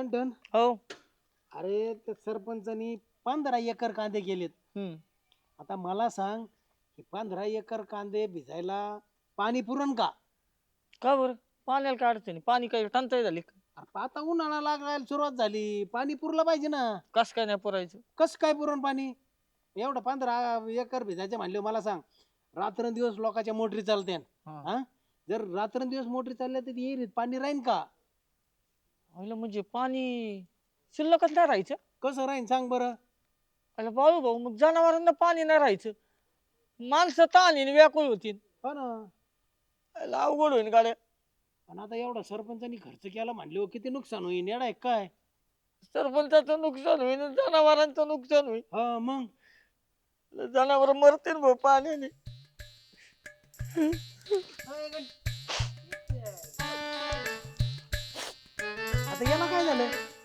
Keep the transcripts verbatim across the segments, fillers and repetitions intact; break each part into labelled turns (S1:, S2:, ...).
S1: गंटन
S2: हो.
S1: अरे त्या सरपंचानी पंधरा एकर कांदे केलेत.
S2: हम्म.
S1: आता मला सांग की पंधरा एकर कांदे भिजायला पाणी पुरण का?
S2: का बरं? पाण्याला काय अडचण आहे? पाणी काही टंचाई झाली का?
S1: अरे आता उन्हाळा लागायला सुरुवात झाली, पाणी पुरलं पाहिजे ना.
S2: कस काय नाही पुरायचं?
S1: कसं काय पुरण पाणी? एवढं पंधरा एकर भिजायचं म्हणले मला सांग, रात्रंदिवस लोकांच्या मोटरी चालत्या.
S2: हा.
S1: हा, जर रात्रंदिवस मोटरी चालल्या तर येईल पाणी राहीन का?
S2: अहिलं म्हणजे पाणी शिल्लकच नाही राहायचं.
S1: कसं राहीन सांग बरं?
S2: अरे बाळू भाऊ, मग जनावरांना पाणी नाही राहायचं, माणसं ताणीने व्याकुळ होतील.
S1: हो ना.
S2: अहिलं अवघड होईन गाड्या.
S1: आणि आता एवढा सरपंचानी खर्च केला म्हणले किती नुकसान होईल, येडा आहे काय?
S2: सरपंचाचं नुकसान होईल, जनावरांचं नुकसान होईल.
S1: हा मग
S2: जनावर मरतील भाऊ पाण्याने.
S1: आता याला काय झालं?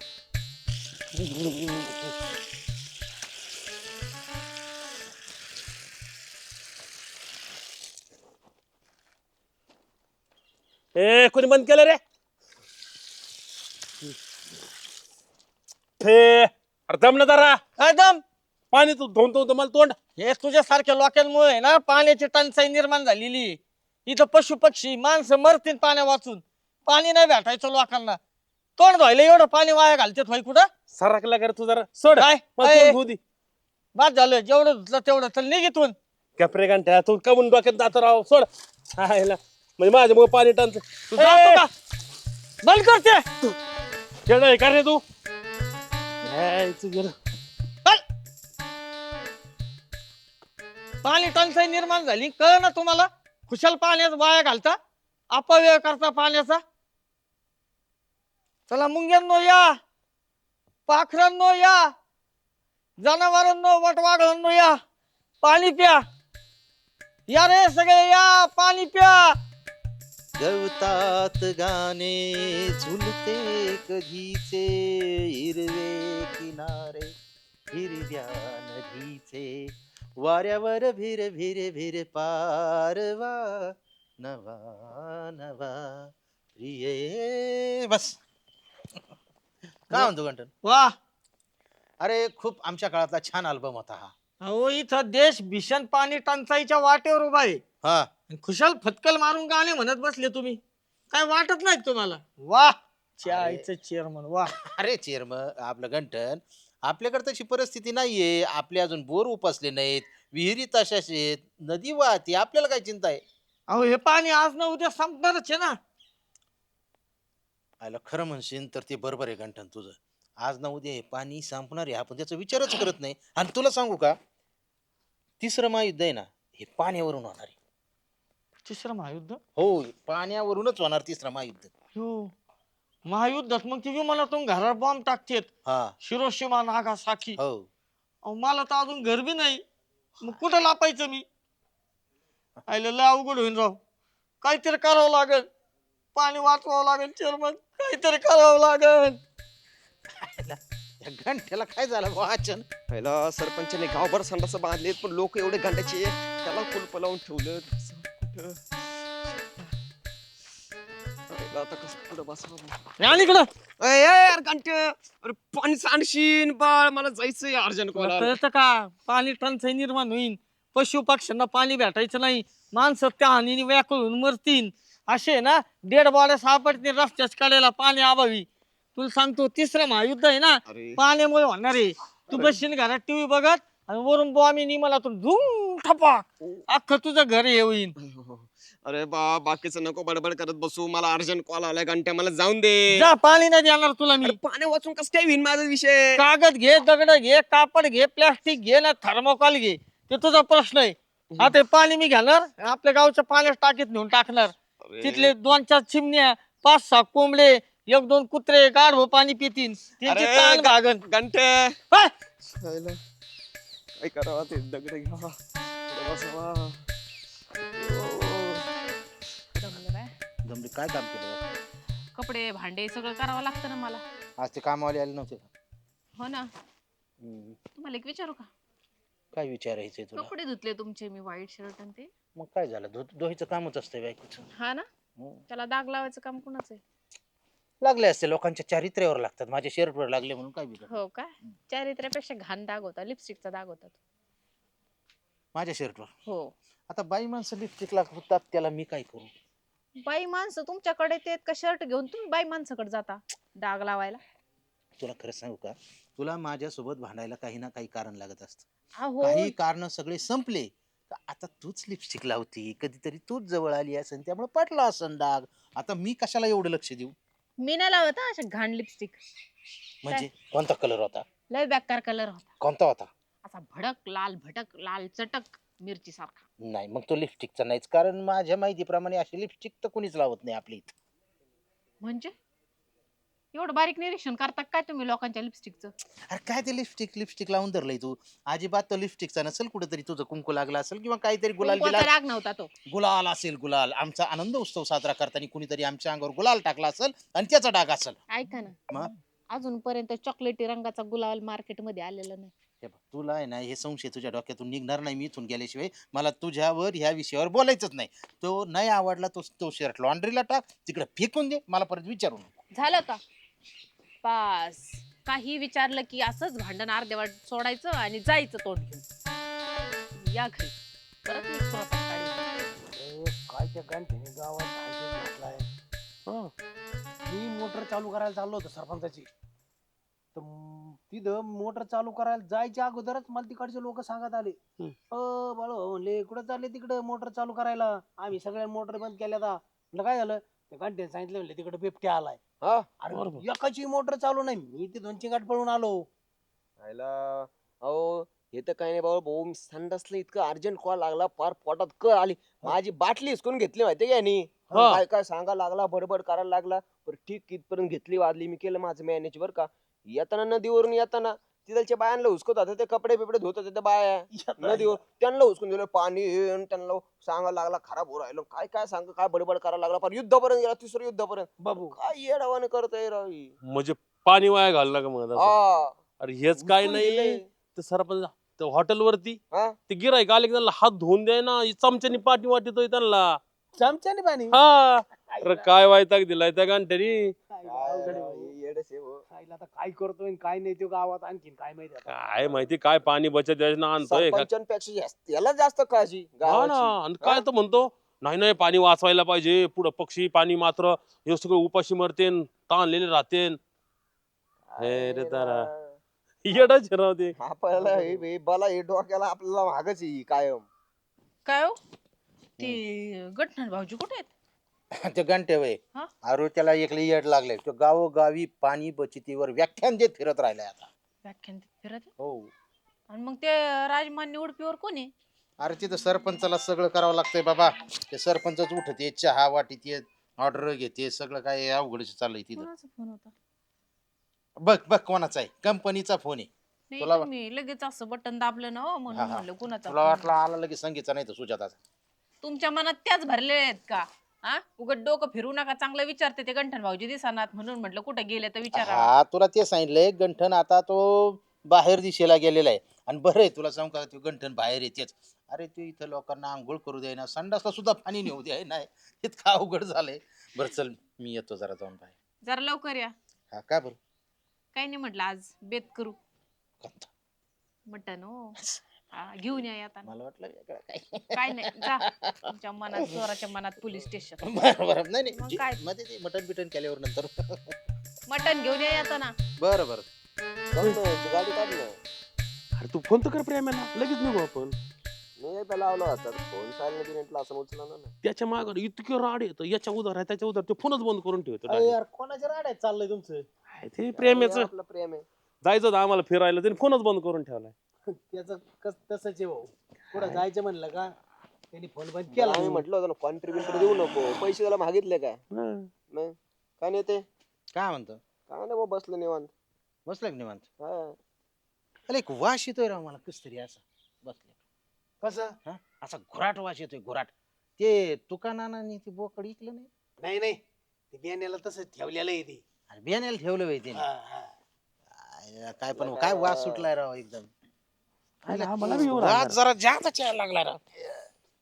S3: ए कोणी बंद केलं रे? हे अरे दम ना जरा.
S2: काय दम?
S3: पाणी तू धोन तो मला तोंड.
S2: हे तुझ्यासारख्या लोकांमुळे आहे ना पाण्याची टंचाई निर्माण झालेली आहे. इथं पशु पक्षी माणसं मरतील पाण्या वाचून. पाणी नाही भेटायचं लोकांना. तोंड धुवायला एवढं पाणी वाया घालते भाई कुठं?
S3: सरकला कर तू जरा सोड.
S2: काय?
S3: मला
S2: ए,
S3: तोंड धुऊ दे.
S2: बाद झालं, जेवढं धुतलं तेवढं चल निघितून.
S3: कपरे घंट्या तू कमून डोक्यात जातो राव सोड. हा ह्याला म्हणजे माझ्या मग पाणी टांच.
S2: तू जातो का? बंद करते.
S3: खेळ आहे का रे तू? यायचं गेलं.
S2: चल. पाणी टंचाई निर्माण झाली कळ ना तुम्हाला? खुशाल पाण्यात वाया घालता, अपव्यय करता पाण्याचा. चला मुंग्यांनो या, पाखरांनो या, जनावरांनो वटवाघळांनो या, पाणी प्या. या रे सगळे या, पाणी प्या.
S4: गवतात गाणे झुलते कधीचे, हिरवे किनारे हिरव्या नदीचे, वाऱ्यावर भिर भिर भिर पारवा नवा नवा प्रिय. बस काय म्हणतो गंटन?
S2: वा.
S4: अरे खूप आमच्या काळातला छान अल्बम होता हा.
S2: अहो इथं देश भीषण पाणी टंचाईच्या वाटेवर उभा आहे.
S4: हा
S2: आणि खुशाल फटकल मारून गाणे म्हणत बसले तुम्ही. काय वाटत नाही तुम्हाला? वाह, चायचं चेअरमन वाह.
S4: अरे चेरम आपलं गंटन, आपल्याकडे तशी परिस्थिती नाहीये. आपले अजून बोर उपसले नाहीत, विहिरी तशाच आहेत, नदी वाहते, आपल्याला काय चिंता आहे?
S2: अहो हे पाणी आज ना उद्या संपणारच आहे ना.
S4: आयला खरं म्हणशील तर ते बरोबर आहे गंठन तुझं. आज ना उद्या हे पाणी संपणार आहे, आपण त्याचा विचारच करत नाही. आणि तुला सांगू का, तिसरं महायुद्ध आहे ना हे पाण्यावरून होणार आहे.
S2: तिसरं महायुद्ध?
S4: हो, पाण्यावरूनच होणार तिसरं महायुद्ध.
S2: हो, महायुद्धात मग ती विमानातून घरावर बॉम्ब टाकतेत.
S4: हा
S2: हिरोशिमा नागासाकी.
S4: हो.
S2: अहो मला तर अजून घर बी नाही, मग कुठं लापायचं मी? आयलं लय अवघड होईन राव. काहीतरी करावं लागेल, पाणी वाचवावं लागेल चेअरमन, काहीतरी करावं लागेल.
S4: या घंट्याला काय झालं वाचन?
S5: पहिला सरपंचाने गावभर संडास बांधलेत, पण लोक एवढे घंट्याचे त्याला कुलप लावून ठेवलं. कुठं पहिला आता कसं पुढं बसावं?
S2: आणि इकडं
S5: अय, अय, यार घंट, अरे पाणी सांडशीन बाळ, मला जायचंय अर्जंट
S2: तुला
S5: कॉल.
S2: कळतं का? पाणी टंचाई निर्माण होईल, पशु पक्ष्यांना पाणी भेटायचं नाही, माणसं त्या हानीने व्याकुळ होऊन मरतील. असे ना डेड बॉड्या सापडतील रस्त्याच कडेला पाणी अभावी. तुला सांगतो तिसरं महायुद्ध आहे ना
S5: अरे
S2: पाण्यामुळे होणार आहे. तू बसशील घरात टीव्ही बघत आणि वरून बॉम्ब मला तू धूम ठपाक अख्खं तुझं घर हे होईल.
S5: अरे बा, बाकीचं नको बडबड करत बसू, मला अर्जंट कॉल आलाय घंट्या, मला जाऊन दे.
S2: जा, पाणी नाही देणार तुला मी.
S5: अरे पाणी वाचून कसं काय होईन माझा विषय?
S2: कागद घे, दगड घे, कापड घे, प्लास्टिक घे ना थर्मोकॉल घे, ते तुझा प्रश्न आहे. आता हे पाणी मी घेणार, आपल्या गावच्या पाण्यात टाकीत नेऊन टाकणार.
S5: अरे,
S2: तिथले दोन चार चिमण्या, पाच सहा कोंबडे, एक दोन कुत्रे गाढव पाणी पितील, त्यांची
S5: अरे,
S2: ताण भागन.
S5: घंटे
S2: हाय!
S5: खायला काय करावं, ते दगड घ्या पुढं बसावा.
S6: जमलं बाय.
S4: जमले काय काम केलं?
S6: कपडे भांडे सगळं करावं लागतं ना मला.
S4: आज ते कामवाले आले नव्हते का?
S6: हो ना.
S4: हम्म.
S6: तुम्हाला एक विचारू का?
S4: काय विचारायचंय तुला?
S6: कपडे धुतले तुमचे मी, व्हाईट शर्ट आणि ते.
S4: मग काय झालं, धु धुवायचं कामच असतं बायकोचं.
S6: हा ना.
S4: हम्म.
S6: त्याला दाग लावायचं काम कुणाचं आहे?
S4: लागले असते लोकांच्या चारित्र्यावर लागतात, माझ्या शर्टवर लागले म्हणून काय बिघड
S6: हो का? चारित्र्यापेक्षा घाण दाग होता, लिपस्टिकचा दाग होता तो.
S4: माझ्या शर्टवर.
S6: हो.
S4: आता बाई माणसं लिपस्टिक लागतात, त्याला मी काय करू?
S6: बाई माणसं तुमच्याकडे ते का शर्ट घेऊन तुम्ही बाई माणसाकडे जाता डाग लावायला?
S4: तुला खरं सांगू का, तुला माझ्यासोबत भांडायला काही ना काही कारण लागत असतं.
S6: अहो
S4: काही कारण सगळे संपले का आता तूच लिपस्टिक लावती, कधीतरी तूच जवळ आली असेल त्यामुळे पटला असन डाग. आता मी कशाला एवढं लक्ष देऊ?
S6: मी नाही लावत हा अशा घाण लिपस्टिक.
S4: म्हणजे कोणता कलर होता?
S6: लय बेकार कलर होता,
S4: कोणता होता?
S6: असा भडक लाल भटक लाल चटक मिरची सारखा.
S4: नाही मग तो लिपस्टिकचा नाहीच, कारण माझ्या माहितीप्रमाणे अशी लिपस्टिक तर कुणीच लावत नाही आपली इथं.
S6: म्हणजे एवढं बारीक निरीक्षण करता काय तुम्ही लोकांच्या लिपस्टिकचं?
S4: अरे काय ते लिपस्टिक लिपस्टिक लावून धरलंय तू? अजिबात तो लिपस्टिकचा नसेल, कुठेतरी तुझं कुंकू लागला असेल किंवा काहीतरी गुलाल
S6: कुंकवाचा
S4: बिलाल.
S6: राग नव्हता तो.
S4: गुलाल असेल, गुलाल. आमचा आनंद उत्सव साजरा करताना कुणीतरी आमच्या अंगावर गुलाल टाकला असेल आणि त्याचा डाग असेल.
S6: ऐका ना,
S4: मग?
S6: अजूनपर्यंत चॉकलेटी रंगाचा गुलाल मार्केटमध्ये आलेला नाही.
S4: हे बघ, तुला आहे ना हे संशय तुझ्या डोक्यातून निघणार नाही. मी इथून गेल्याशिवाय मला तुझ्यावर ह्या विषयावर बोलायचंच नाही. तो नाही आवडला तो तो शर्ट लॉन्ड्रीला टाक, तिकडे फेकून दे, मला परत विचारू नको.
S6: झालं का? पास. काही विचारलं की असंच भांडण अर्धेवाट सोडायचं आणि जायचं तोंड घेऊन. या घरी परत मी स्वतः काढीन.
S1: काय त्या गांठीने गावात भांडण घातलाय. हं. मी मोटर चालू करायला चाललो होतो सरपंचाची, तर म- तिथं मोटर चालू करायला जायच्या अगोदरच मला तिकडचे लोक सांगत आले, अ बाळो म्हणले कुठं चालले तिकडं मोटर चालू करायला, आम्ही सगळ्या मोटर बंद केल्या. म्हटलं काय झालं? त्या गांठीने सांगितलं, म्हणले तिकडे बिबट्या आलाय.
S5: हा
S1: अरे एकाची मोटर चालू नाही, मी ते दोन गाठ पळून आलो.
S5: आयला अहो हे तर काही नाही बाबा भाऊ, मी संडासला इतकं अर्जंट कॉल लागला, फार पोटात क आली. माझी बाटली हिसकून घेतली माहितीये का यांनी.
S3: हा.
S5: काय काय सांगा लागला, बडबड करायला लागला. पण ठीक कितपर्यंत घेतली वाजली, मी केलं माझं मॅनेज बरं का. येताना नदीवरून येताना तिथलच्या बायांना हुसकत होते, ते कपडे बिपडे धुत होते त्या बाया नदीवर, त्यांना हुसकून दिलं पाणी हे, आणि त्यांना सांगायला लागला खराब हो राहिलो, काय काय सांग, काय बडबड करायला लागला. पण युद्धापर्यंत गेला, तिसरं युद्धापर्यंत.
S1: बाबू
S5: काय येडावाने करतोय राव ही.
S3: म्हणजे पाणी वाया घालला का मग आता?
S5: हा
S3: अरे हेच काय
S5: हुसकून
S3: नाही
S5: दिलंय.
S3: ते सरपंच हॉटेलवरती
S5: हा?
S3: ते गिराईक आले की त्यांना हात धुवून द्याय ना, चमच्यानी पाठी वाटतोय त्यांना.
S1: चमच्याने पाणी.
S3: हा अरे काय वायताक दिलाय त्या गांठ्यानी.
S1: काय
S5: काय
S1: अवघड आहे
S5: राव
S1: भाऊ.
S5: ही येडच आहे भाऊ.
S1: खायला आता काय करतोय आणि काय नाही तो गावात आणखीन काय माहिती आता.
S3: काय माहिती काय पाणी बचत योजना आणतोय का?
S5: सरपंचांपेक्षा जास्त याला जास्त काळजी
S3: हा ना,
S5: गावाची.
S3: आणि काय तर म्हणतो नाही नाही पाणी वाचवायला पाहिजे, पुढं पक्षी पाणी मात्र हे सगळं उपाशी मरतेन, ताणलेले राहतेन. हे रे तारा. येडाच राव ते.
S5: आपल्याला हे हे बला हे डोक्याला आपल्याला मागच आहे ही कायम.
S6: काय हो? ते गठण भाऊजी कुठे आहेत?
S4: ते घंटे वय
S6: हा?
S4: अरे त्याला एकले येड लागले, तो गावोगावी पाणी बचतीवर व्याख्यान देत फिरत राहिलाय आता.
S6: व्याख्यान देत फिरत आहे?
S4: हो.
S6: आणि मग ते राजमान्य उडपीवर कोण आहे?
S4: अरे तिथं सरपंचाला सगळं करावं लागतंय बाबा. ते सरपंचच उठते, चहा वाटीत ऑर्डर घेते, सगळं काय अवघडच चाललंय तिथं.
S6: कोणाचा फोन होता?
S4: बघ बघ कोणाचा आहे, कंपनीचा फोन आहे.
S6: नाही
S4: तुला-
S6: तुम्ही लगेच असं बटन दाबलं ना हो, म्हणून
S4: हा, हा.
S6: म्हणलं कुणाचा
S4: तुला
S6: phone
S4: वाटलं
S6: आहे.
S4: आला लगेच संगीतचा, नाही तर सुजाताचा.
S6: तुमच्या मनात त्याच भरलेल्या आहेत का? हा उगत डोकं फिरू नका, चांगलं विचारते ते गंठन भाऊजी दिसनात म्हणून म्हटलं कुठे गेले तर विचारा.
S4: हा तुला ते सांगितलंय, गंठन आता तो बाहेर दिशेला गेलेला आहे. आणि बरं आहे तुला सांगू का, तो गंठन बाहेर येतेच. अरे ते इथं लोकांना आंघोळ करू द्याय ना, संडासला सुद्धा पाणी नेऊ द्याय नाही, इतकं अवघड झालंय. बरं चल मी येतो जरा जाऊन बाहेर.
S6: जरा लवकर या.
S4: हा काय बरं?
S6: काही नाही म्हटलं आज बेत करू
S4: कोणता?
S6: मटन हो. हा, घेऊन या येताना.
S4: मला वाटलं वेगळं काय.
S6: काय नाही जा तुमच्या मनात, चोराच्या मनात पोलीस स्टेशन.
S4: बरं बरं, नाही
S6: मग
S4: नाही
S6: काय?
S4: जी- मध्ये ते मटन बिटन केल्यावर नंतर.
S6: मटन घेऊन या येताना.
S4: बरं बरं.
S5: जाऊ ना, तू गाडी काढ ना.
S3: अरे तू फोन तर कर प्रेमाला, लगेच निघू आपण.
S5: मी एकदा लावला होता फोन, सायलेंट बिलेंटला असं उचला ना.
S3: त्याच्या माग इतकं राड येतं, याच्या उधार आहे त्याच्या उधार, ते फोनच बंद करून ठेवतो
S1: अरे
S3: direct.
S1: यार कोणाच्या राड्यात चाललंय तुमचं?
S3: काय ते प्रेमेच
S5: आपलं प्रेम आहे.
S3: जायचं होतं आम्हाला फिरायला, त्याने फोनच बंद करून ठेवलाय.
S1: त्याचं कस तसंच आहे भाऊ. कुठं जायचं म्हणलं का त्यांनी फोन बंद
S5: त्याला
S1: केला.
S5: आम्ही म्हटलं होतं ना कॉन्ट्रीब्युटर देऊ नको, पैसे त्याला मागितले काय?
S3: हा.
S5: नाही काय नाही ते
S4: काय म्हणतो?
S5: काय नाही भाऊ, बसलं निवांत.
S4: बसलं की निवांत?
S5: हा.
S4: अरे एक वास येतोय राव मला कस तरी असं बसले.
S1: कसं?
S4: हा असा घुराट वास येतोय, घुराट. ते तुकानानाने ते बोकड इकलं नाही?
S1: नाही नाही, ते बियाण्याला तसंच ठेवलेलं आहे ते.
S4: अरे बियाण्याला ठेवलं बाई त्याने.
S1: हा, हा.
S4: आयला काय पण काय वास सुटलाय राव एकदम.
S3: आयला आम्हाला बी येऊ
S4: वास
S3: लागला.
S4: जरा जास्तच यायला लागला राव.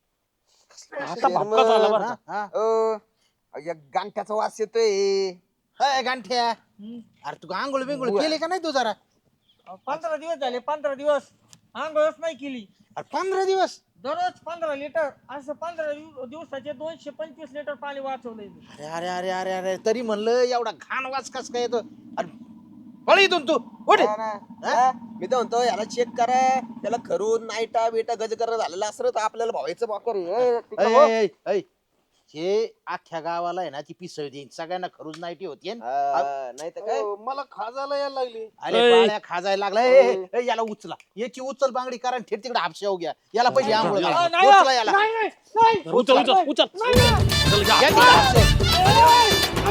S3: आता भपका झाला बरं
S4: हा,
S3: का.
S4: हा.
S5: अ, या गांठ्याचा वास येतोय.
S4: हाय गांठ्या,
S2: हम्म.
S4: अरे तू आंघोळ बिंघोळ केली का नाही तू जरा?
S2: अहो, पंधरा दिवस झाले पंधरा दिवस आंघोळच नाही केली.
S4: अरे पंधरा दिवस?
S2: दररोज पंधरा लिटर असं पंधरा दिव- दिवसाचे दोनशे पंचवीस लिटर पाणी वाचवलंय मी.
S4: अरे अरे अरे अरे अरे तरी म्हणलं एवढा घाण वास कस काय येतो? अरे पळ इथून तू उठ.
S5: हा ना. हा? मी तर म्हणतो याला चेक करा, त्याला खरून नाईटा बिटा गज करा झालेला असं तर आपल्याला भावायचं बाकर
S4: ऐ, ऐ, ऐ, ऐ. हे अख्ख्या गावाला आहे ना ती पिसळ देईन, सगळ्यांना खरूच नाईटी होती
S5: नाही तर काय.
S1: मला खाजायला यायला लागली.
S4: अरे
S3: ऐ.
S4: बाळ्या खाजायला लागला. ए, ए, ए, याला उचला, याची उचल बांगडी करा आणि थेट तिकडे हापशाव घ्या. याला पहिली आंघोळ घाला.
S2: अहो, नाही,
S4: उचला याला.
S2: नाही, नाही, नाही.
S3: उचल उचल उचल चल, घ्या.
S4: या तिकडे हापशाव.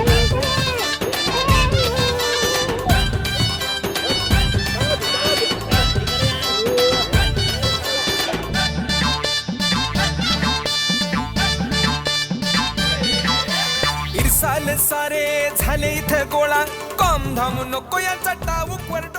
S7: इरसाल सारे झाले इथे गोळा कॉम धाम नको या चटाऊक वर